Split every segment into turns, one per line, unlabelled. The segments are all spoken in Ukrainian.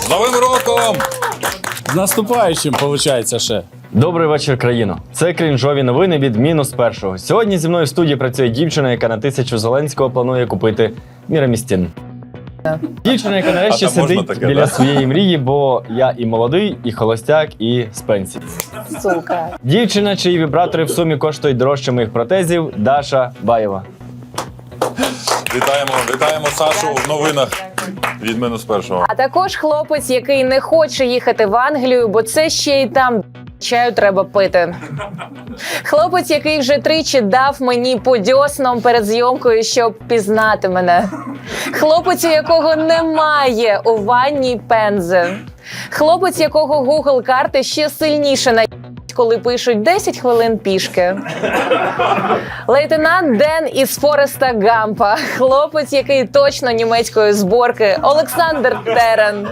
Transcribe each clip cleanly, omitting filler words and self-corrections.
З Новим роком!
З наступаючим, виходить, ще.
Добрий вечір, країно. Це крінжові новини від мінус першого. Сьогодні зі мною в студії працює дівчина, яка на 1000 Зеленського планує купити Мірамістін. Дівчина, яка нарешті сидить
таке,
біля
да?
своєї мрії, бо я і молодий, і холостяк, і з пенсії.
Сука.
Дівчина, чиї вібратори в сумі коштують дорожче моїх протезів, Даша Баєва.
Вітаємо Сашу в новинах від мінус першого.
А також хлопець, який не хоче їхати в Англію, бо це ще й там чаю треба пити. Хлопець, який вже тричі дав мені по дьоснам перед зйомкою, щоб пізнати мене. Хлопець, у якого немає у ванні пензи. Хлопець, якого Google карти ще сильніше на коли пишуть 10 хвилин пішки. Лейтенант Ден із Фореста Гампа. Хлопець, який точно німецької зборки. Олександр Терен.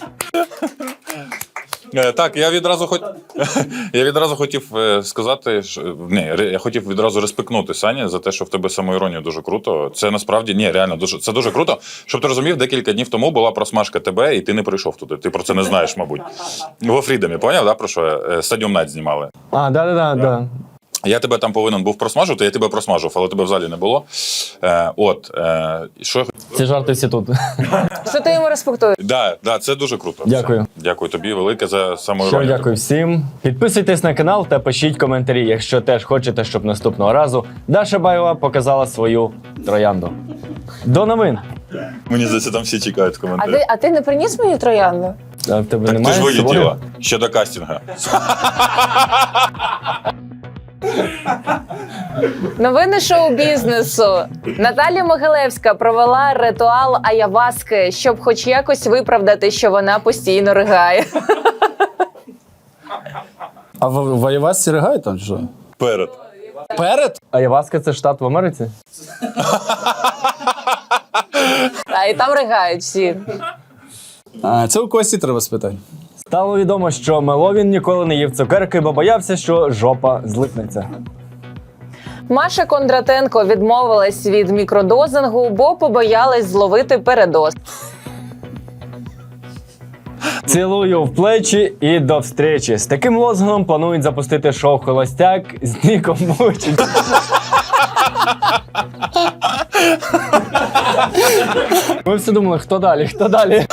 Так, я відразу хотів сказати, я хотів відразу респектнути Сані за те, що в тебе самоіронія дуже круто. Це насправді, реально, це дуже круто. Щоб ти розумів, декілька днів тому була просмажка тебе, і ти не прийшов туди. Ти про це не знаєш, мабуть. Во Фрідомі, поняв, да, про що? Стадіум Найт знімали.
А, да.
Я тебе там повинен був просмажувати, я тебе просмажив, але тебе в залі не було. Що я
Ці жарти всі тут.
Що ти йому респектуєш?
Да, це дуже круто.
Дякую.
Дякую тобі велике за
Що,
самоіронію.
дякую всім. Підписуйтесь на канал та пишіть коментарі, якщо теж хочете, щоб наступного разу Даша Баєва показала свою троянду. До новин.
Мені здається, там всі чекають в коментарях.
А ти не приніс мені троянду?
А в тебе
Так ти
немає
ж
з собою?
вилетіла ще до кастинга.
Новини шоу-бізнесу. Наталя Могилевська провела ритуал аяваски, щоб хоч якось виправдати, що вона постійно ригає.
А в Айвасці ригають там чи що?
Перед.
Перед?
Айваска – це штат в Америці?
А і там ригають всі.
А, це у Кості треба спитати.
Стало відомо, що Меловін ніколи не їв цукерки, бо боявся, що жопа злипнеться.
Маша Кондратенко відмовилась від мікродозингу, бо побоялась зловити передоз.
Цілую в плечі і до встречі. З таким лозунгом планують запустити шоу «Холостяк» з Ніком Вуйчич. Ми всі думали, хто далі?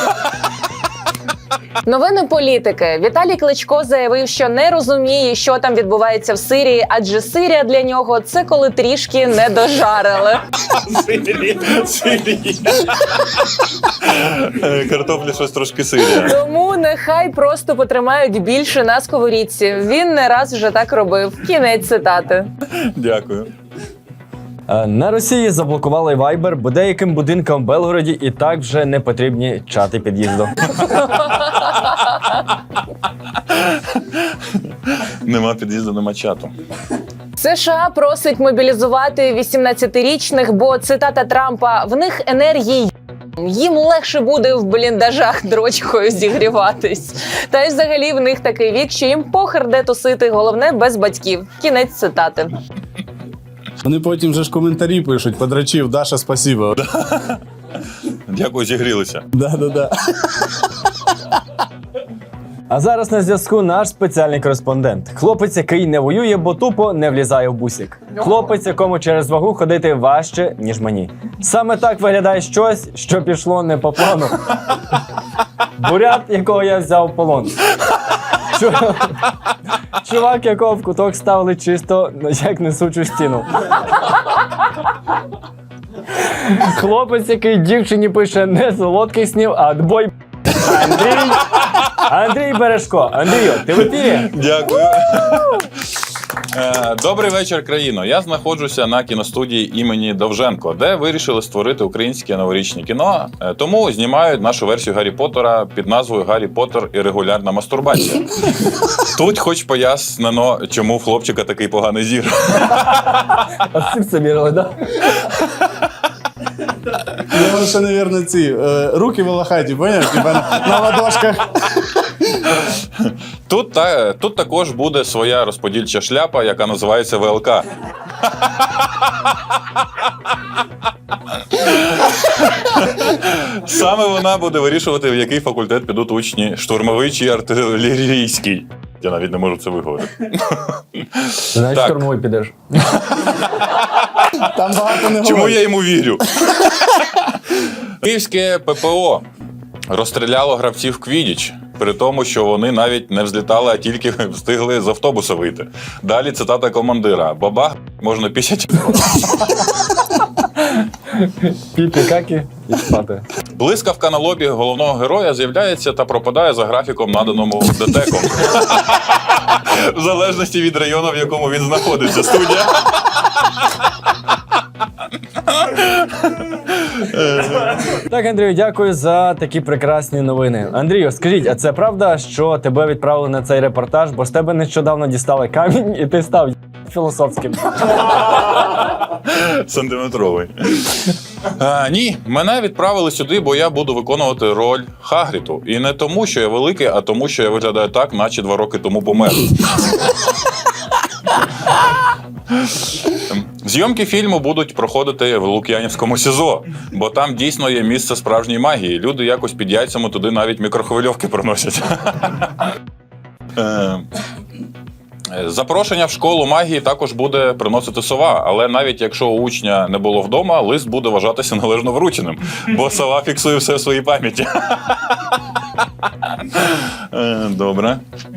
Новини політики. Віталій Кличко заявив, що не розуміє, що там відбувається в Сирії, адже Сирія для нього – це коли трішки не дожарили.
Сирії. Картоплі щось трошки Сирія.
Тому нехай просто потримають більше на сковорідці. Він не раз вже так робив. Кінець цитати.
Дякую.
На Росії заблокували Viber, бо деяким будинкам в Белгороді і так вже не потрібні чати під'їзду.
Нема під'їзду, нема чату.
США просить мобілізувати 18-річних, бо, цитата Трампа, в них енергії їм легше буде в бліндажах дрочкою зігріватись. Та й взагалі в них такий вік, що їм похер де тусити, головне без батьків. Кінець цитати.
Вони потім вже ж коментарі пишуть, подрачив, Даша, спасибо.
Дякую, зігрілися.
Да.
А зараз на зв'язку наш спеціальний кореспондент. Хлопець, який не воює, бо тупо не влізає в бусик. Хлопець, якому через вагу ходити важче, ніж мені. Саме так виглядає щось, що пішло не по плану. Бурят, якого я взяв в полон. Чувак, якого в куток ставили чисто, як несучу стіну. Хлопець, який дівчині пише не солодких снів, а отбой. Андрій Бережко. Андрію, ти в ефірі?
Дякую. Добрий вечір, країно. Я знаходжуся на кіностудії імені Довженко, де вирішили створити українське новорічне кіно. Тому знімають нашу версію Гаррі Поттера під назвою «Гаррі Поттер і регулярна мастурбація». Тут хоч пояснено, чому в хлопчика такий поганий зір.
А з цим це мірили, так?
Я ще, мабуть, ці руки волохаті, поняв? Типа на ладошках.
Тут також буде своя розподільча шляпа, яка називається ВЛК. Саме вона буде вирішувати, в який факультет підуть учні, штурмовий чи артилерійський. Я навіть не можу це виговорити.
Знаєш,
Так.
штурмовий підеш.
Там багато не
Чому
говорить.
я йому вірю? Київське ППО розстріляло гравців Квідіч, при тому, що вони навіть не взлітали, а тільки встигли з автобуса вийти. Далі цитата командира. Бабах, можна пісять.
Піпі-какі і спати.
Блискавка на лобі головного героя з'являється та пропадає за графіком, наданому ДТЕКом. В залежності від району, в якому він знаходиться. Студія.
Так, Андрію, дякую за такі прекрасні новини. Андрію, скажіть, а це правда, що тебе відправили на цей репортаж, бо з тебе нещодавно дістали камінь і ти став філософським?
Сантиметровий. Ні, мене відправили сюди, бо я буду виконувати роль Хагріду. І не тому, що я великий, а тому, що я виглядаю так, наче 2 роки тому помер. Зйомки фільму будуть проходити в Лук'янівському СІЗО, бо там дійсно є місце справжньої магії. Люди якось під яйцями туди навіть мікрохвильовки приносять. Запрошення в школу магії також буде приносити сова, але навіть якщо у учня не було вдома, лист буде вважатися належно врученим, бо сова фіксує все в своїй пам'яті. Добре.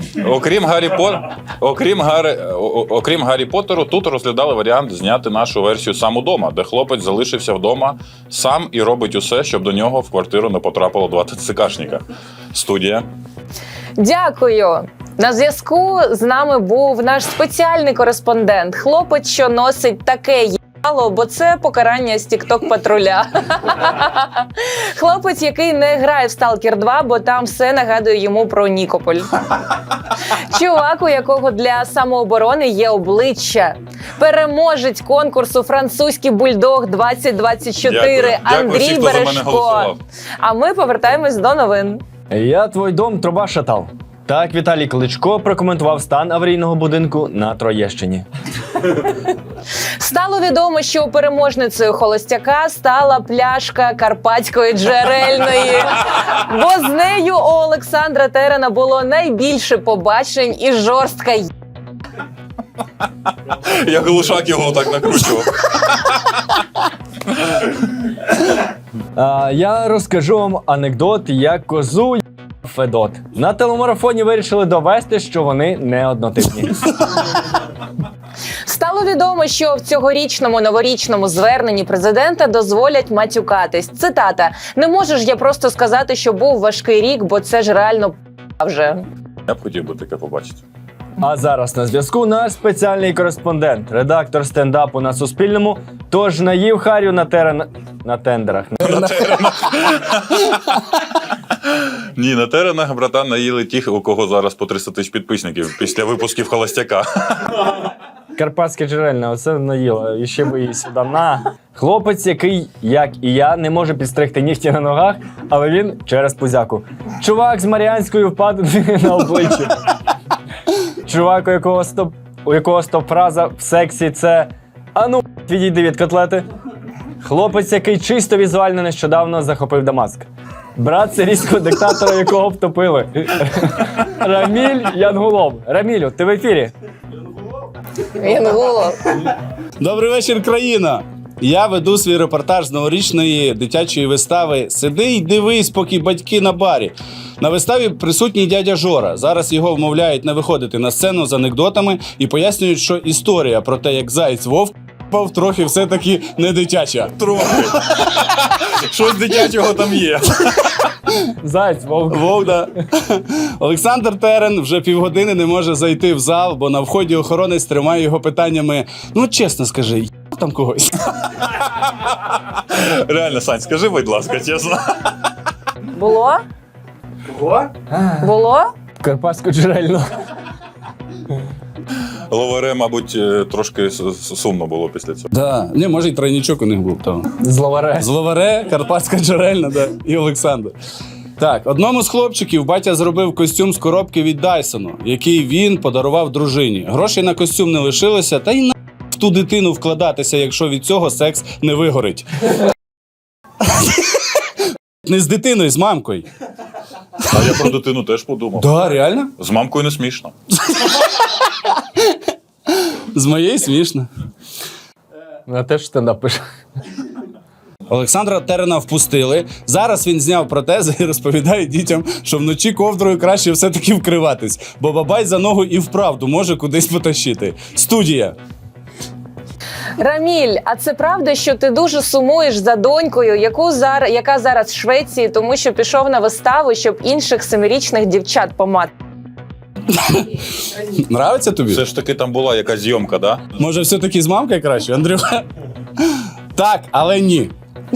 Окрім Гаррі Поттеру, тут розглядали варіант зняти нашу версію «Сам удома», де хлопець залишився вдома сам і робить усе, щоб до нього в квартиру не потрапило 2 ТЦКшника. Студія.
Дякую. На зв'язку з нами був наш спеціальний кореспондент. Хлопець, що носить таке їбало, бо це покарання з тік-ток-патруля. Хлопець, який не грає в Stalker 2, бо там все нагадує йому про Нікополь. Чувак, у якого для самооборони є обличчя. Переможець конкурсу «Французький бульдог 2024»
Дякую всім,
Андрій
хто за мене
Бережко.
голосував.
А ми повертаємось до новин.
Я твой дом, труба шатал. Так Віталій Кличко прокоментував стан аварійного будинку на Троєщині.
Стало відомо, що переможницею холостяка стала пляшка Карпатської джерельної, бо з нею у Олександра Терена було найбільше побачень і жорстка
Я глушак його так накручував.
Я розкажу вам анекдот, як козу Федот. На телемарафоні вирішили довести, що вони не однотипні.
Стало відомо, що в цьогорічному новорічному зверненні президента дозволять матюкатись. Цитата: «Не можеш я просто сказати, що був важкий рік, бо це ж реально вже».
Я б хотів би таке побачити.
А зараз на зв'язку наш спеціальний кореспондент, редактор стендапу на Суспільному, тож наїв Харю на тендерах.
Ні, на теренах, братан, наїли тих, у кого зараз по 300 тисяч підписників після випусків «Холостяка».
Карпатське джерельне, оце наїла. І ще би її сюди на. Хлопець, який, як і я, не може підстригти нігті на ногах, але він через пузяку. Чувак з Маріанською впадиною на обличчі. Чувак, у якого стоп-фраза в сексі це «А ну, відійди від котлети». Хлопець, який чисто візуально нещодавно захопив Дамаск. Брат сирійського диктатора, якого втопили. Раміль Янгулов. Рамілю, ти в ефірі?
Янгулов.
Добрий вечір, країна! Я веду свій репортаж з новорічної дитячої вистави «Сиди й дивись, поки батьки на барі». На виставі присутній дядя Жора. Зараз його вмовляють не виходити на сцену з анекдотами і пояснюють, що історія про те, як заєць вовк трохи все-таки не дитяча.
Трохи. Щось дитячого там є.
Зайць, вовк.
Вовк, да. Олександр Терен вже півгодини не може зайти в зал, бо на вході охоронець тримає його питаннями: «Ну, чесно скажи, там когось?»
Реально, Сань, скажи, будь ласка, чесно.
Було? Було?
Карпатську джерельну.
Ловаре, мабуть, трошки сумно було після цього.
Да. Ні, може, й тройнічок у них був там.
Зловаре.
Зловаре, Карпатська джерельна, да, і Олександр. Так, одному з хлопчиків батя зробив костюм з коробки від Дайсону, який він подарував дружині. Грошей на костюм не лишилося, та й на в ту дитину вкладатися, якщо від цього секс не вигорить. Не з дитиною, з мамкою.
А я про дитину теж подумав.
Да, реально?
З мамкою не смішно.
З моєю смішно.
Вона теж стендап пише.
Олександра Терена впустили. Зараз він зняв протези і розповідає дітям, що вночі ковдрою краще все-таки вкриватись, бо бабай за ногу і вправду може кудись потащити. Студія.
Раміль, а це правда, що ти дуже сумуєш за донькою, яка зараз в Швеції, тому що пішов на виставу, щоб інших 7-річних дівчат помати?
Нравиться тобі?
Все ж таки там була якась зйомка, да?
Може, все-таки з мамкою краще, Андрюха? Так, але ні.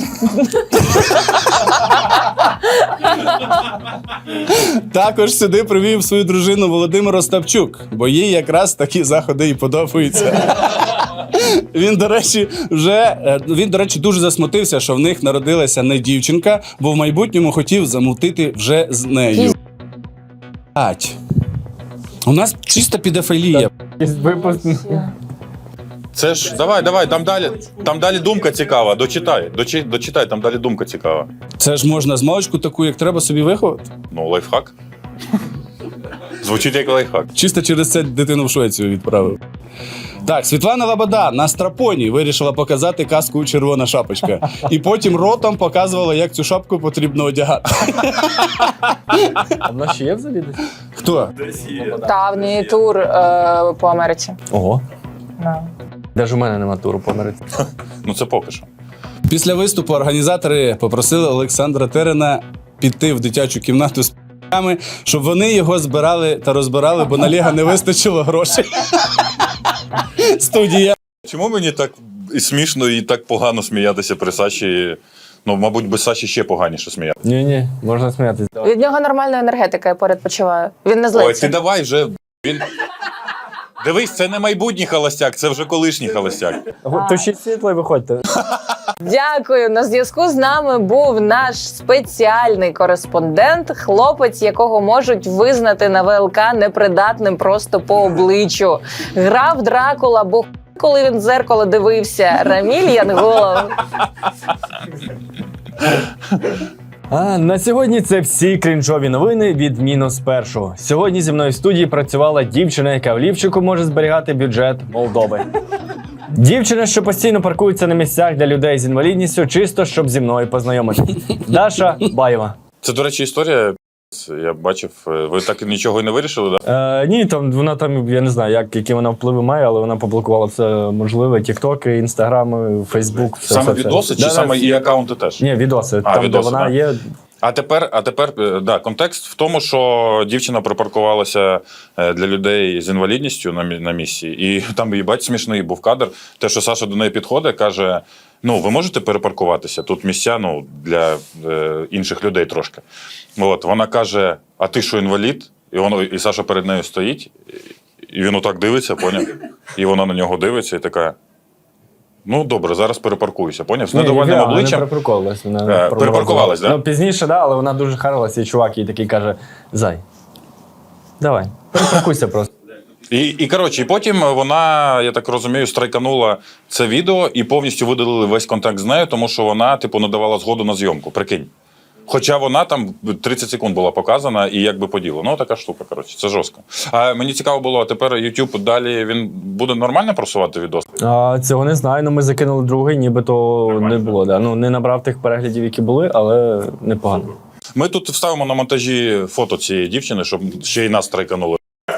Також сюди привів свою дружину Володимир Остапчук, бо їй якраз такі заходи і подобаються. Він, до речі, дуже засмутився, що в них народилася не дівчинка, бо в майбутньому хотів замутити вже з нею. Ать. У нас чиста педофілія.
Випуск.
Це ж, давай, там далі думка цікава. Дочитай, там далі думка цікава.
Це ж можна з маличку таку, як треба, собі виховати.
Ну, лайфхак. Звучить як лайфхак.
Чисто через це дитину в Швецію відправив. Так, Світлана Лобода на страпоні вирішила показати казку «Червона шапочка». І потім ротом показувала, як цю шапку потрібно одягати.
А в нас ще є взагалі десь?
Хто?
Та в неї тур по Америці.
Ого.
Да.
Даже у мене нема туру по Америці.
Ну, це поки що.
Після виступу організатори попросили Олександра Терена піти в дитячу кімнату з п***ями, щоб вони його збирали та розбирали, бо на Лего не вистачило грошей. Студія.
Чому мені так і смішно і так погано сміятися при Саші? Ну, мабуть, без Саші ще поганіше сміятися.
Ні, можна сміятися.
Від нього нормальна енергетика, я поряд почуваю. Він не
Ой,
злиться.
ти давай вже. Дивись, це не майбутній холостяк, це вже колишній холостяк.
Тушіть світло і виходьте.
Дякую. На зв'язку з нами був наш спеціальний кореспондент, хлопець, якого можуть визнати на ВЛК непридатним просто по обличчю. Грав Дракула, бо коли він в дзеркало дивився. Раміль Янголов.
А на сьогодні це всі крінжові новини від мінус першого. Сьогодні зі мною в студії працювала дівчина, яка в лівчику може зберігати бюджет Молдови. Дівчина, що постійно паркується на місцях для людей з інвалідністю, чисто щоб зі мною познайомити. Даша Баєва.
Це, до речі, історія. Я бачив, ви так і нічого і не вирішили, так?
Ні, вона там, я не знаю, які вона впливи має, але вона поблокувала все можливе. Тіктоки, інстаграми, Фейсбук.
Саме відоси чи саме і акаунти теж?
Ні, відоси. Там,
відоси,
де вона
да.
є.
А тепер, да, контекст в тому, що дівчина припаркувалася для людей з інвалідністю на місці, і там, їбать, смішний був кадр. Те, що Саша до неї підходить, каже: ну, ви можете перепаркуватися? Тут місця, ну, для інших людей трошки. От, вона каже: а ти що, інвалід? І Саша перед нею стоїть, і він отак дивиться, поняв? І вона на нього дивиться і така: ну, добре, зараз перепаркуюся, поняв? З недовольним обличчям.
Вона перепаркувалась.
Перепаркувалась, да?
Ну, пізніше, да, але вона дуже харилася, і чувак їй такий каже: Зай, давай, перепаркуйся просто.
І коротше, і потім вона, я так розумію, страйканула це відео і повністю видалили весь контакт з нею, тому що вона, типу, не давала згоду на зйомку, прикинь. Хоча вона там 30 секунд була показана і якби по ділу. Ну, така штука, коротше, це жорстко. А мені цікаво було, а тепер YouTube далі, він буде нормально просувати відос?
Цього не знаю, ну ми закинули другий, нібито не було. Да. Ну, не набрав тих переглядів, які були, але непогано.
Ми тут вставимо на монтажі фото цієї дівчини, щоб ще й нас страйканули.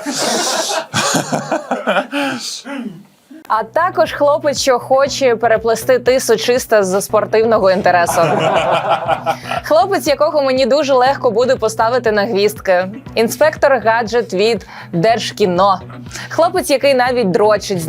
А також хлопець, що хоче переплести тису чисто з спортивного інтересу. Хлопець, якого мені дуже легко буде поставити на гвіздки. Інспектор гаджет від Держкіно. Хлопець, який навіть дрочить з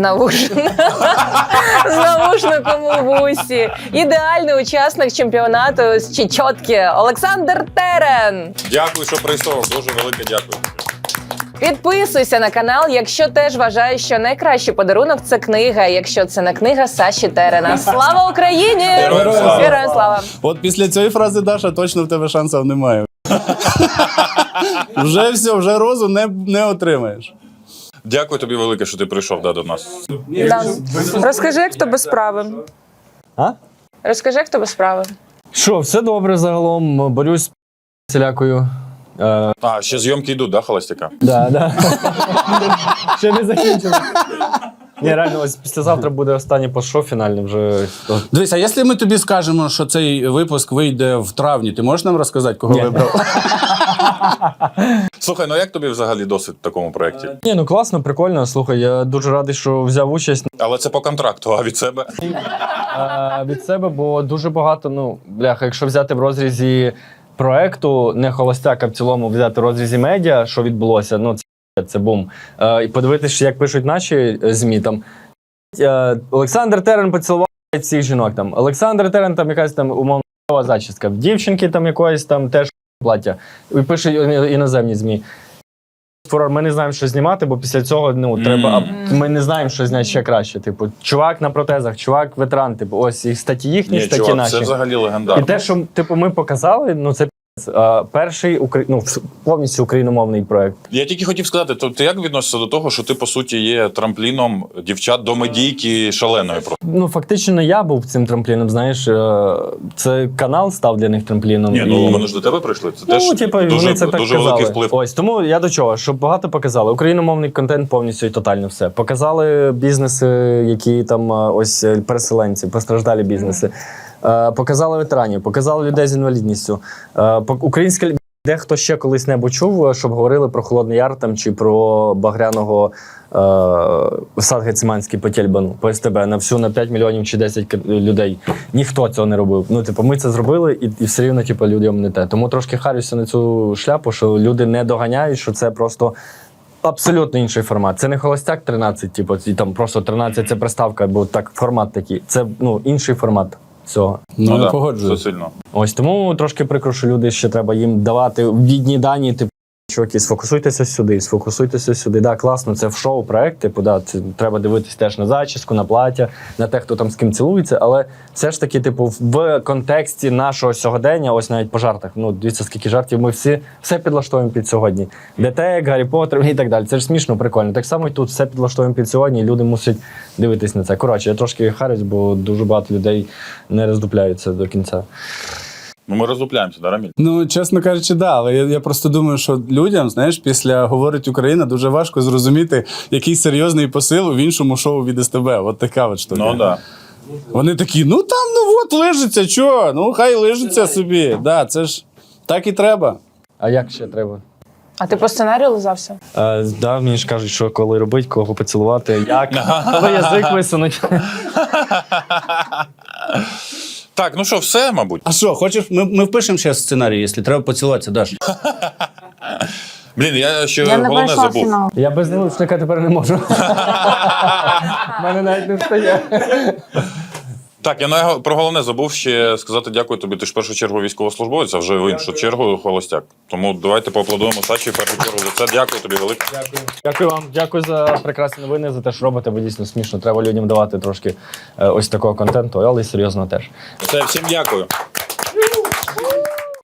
навушником у вусі. Ідеальний учасник чемпіонату з Чечотки Олександр Терен.
Дякую, що прийшов. Дуже велике дякую.
Підписуйся на канал, якщо теж вважаєш, що найкращий подарунок – це книга, якщо це не книга Саші Терена. Слава Україні!
Героям слава!
Героям слава!
От після цієї фрази, Даша, точно в тебе шансів немає. Вже все, вже розу не отримаєш.
Дякую тобі велике, що ти прийшов до нас.
Да. Розкажи, як в тебе справи.
А?
Розкажи, як в тебе справи.
Що, все добре загалом, борюсь з всілякою.
А, ще зйомки йдуть, да, холостяка?
Да. Ще не закінчили. Ні, реально, ось післязавтра буде останній пост-шоу фінальний вже.
Дивись, а якщо ми тобі скажемо, що цей випуск вийде в травні, ти можеш нам розказати, кого
Ні.
вибрав?
Слухай, ну як тобі взагалі досвід в такому проєкті?
Ні, ну класно, прикольно. Слухай, я дуже радий, що взяв участь.
Але це по контракту, а від себе?
Від себе, бо дуже багато, ну, бляха, якщо взяти в розрізі проекту, не холостяк, а в цілому взяти в розрізі медіа, що відбулося, ну, це бум. І подивитися, як пишуть наші ЗМІ, там, Олександр Терен поцілував всіх жінок, там, Олександр Терен, там, якась там умовна зачіска, в дівчинки там якоїсь там теж плаття. І пишуть іноземні ЗМІ. Ми не знаємо, що знімати, бо після цього треба. А ми не знаємо, що зняти ще краще. Типу, чувак на протезах, чувак ветеран. Типу, ось і статті їхні,
Ні,
статті
чувак,
наші.
це взагалі легендарно.
І те, що типу, ми показали, ну це перший повністю україномовний проект.
Я тільки хотів сказати, то ти як відносишся до того, що ти, по суті, є трампліном дівчат до медійки шаленої просто?
Ну, фактично, не я був цим трампліном, знаєш, це канал став для них трампліном.
Ні, ну вони ж до тебе прийшли. Це
Ну,
теж
типу,
дуже,
вони це так
дуже
казали.
великий вплив.
Ось, тому я до чого, щоб багато показали. Україномовний контент повністю і тотально все. Показали бізнеси, які там ось переселенці, постраждалі бізнеси. Показали ветеранів, показали людей з інвалідністю. Українська дехто ще колись-небудь чув, щоб говорили про Холодний Яр там, чи про Багряного сад Гециманський по Тєльбану, по СТБ, на 5 мільйонів чи 10 людей. Ніхто цього не робив. Ну, типу, ми це зробили, і все рівно типу, людям не те. Тому трошки харюся на цю шляпу, що люди не доганяють, що це просто абсолютно інший формат. Це не холостяк 13, типу, і там просто 13 це приставка, бо так формат такий. Це інший формат цього.
Ну,
да,
я погоджуюсь.
це сильно.
Ось тому трошки прикро, що люди ще треба їм давати відні дані, типу, чуваки, сфокусуйтеся сюди. Да, класно, це в шоу-проект, типу, да, це треба дивитись теж на зачіску, на плаття, на те, хто там з ким цілується, але все ж таки, типу, в контексті нашого сьогодення, ось навіть по жартах, ну, дивіться, скільки жартів, ми все підлаштовуємо під сьогодні. ДТЕК, Гаррі Поттер і так далі. Це ж смішно, прикольно. Так само і тут все підлаштовуємо під сьогодні, і люди мусять дивитись на це. Коротше, я трошки харюсь, бо дуже багато людей не роздупляються до кінця.
Ну ми роздупляємося, да, Раміль?
Ну, чесно кажучи, да, але я просто думаю, що людям, знаєш, після «Говорить Україна» дуже важко зрозуміти, який серйозний посил в іншому шоу від СТБ. От така от штука.
Ну, да.
Вони такі, ну там, ну от, лежиться, чого? Ну, хай лежиться собі. Да, це ж так і треба.
А як ще треба?
А ти по сценарію лизався?
Да, мені ж кажуть, що коли робити, кого поцілувати, як, коли язик висунуть.
Так, ну що, все, мабуть.
А що, хочеш, ми впишемо ще сценарій, якщо треба поцілуватися, Даш.
Блін, я ще
Я не
головне
пройшла
забув.
фінал.
Я без наушника тепер не можу. У мене навіть не встає.
Так, я про головне забув ще сказати дякую тобі. Ти ж в першу чергу військовослужбовець, а вже в іншу чергу холостяк. Тому давайте поаплодуємо Саші в першу чергу за це. Дякую тобі велике.
Дякую вам. Дякую за прекрасні новини, за те, що робите, бо дійсно смішно. Треба людям давати трошки ось такого контенту, але й серйозно теж.
Все, всім дякую.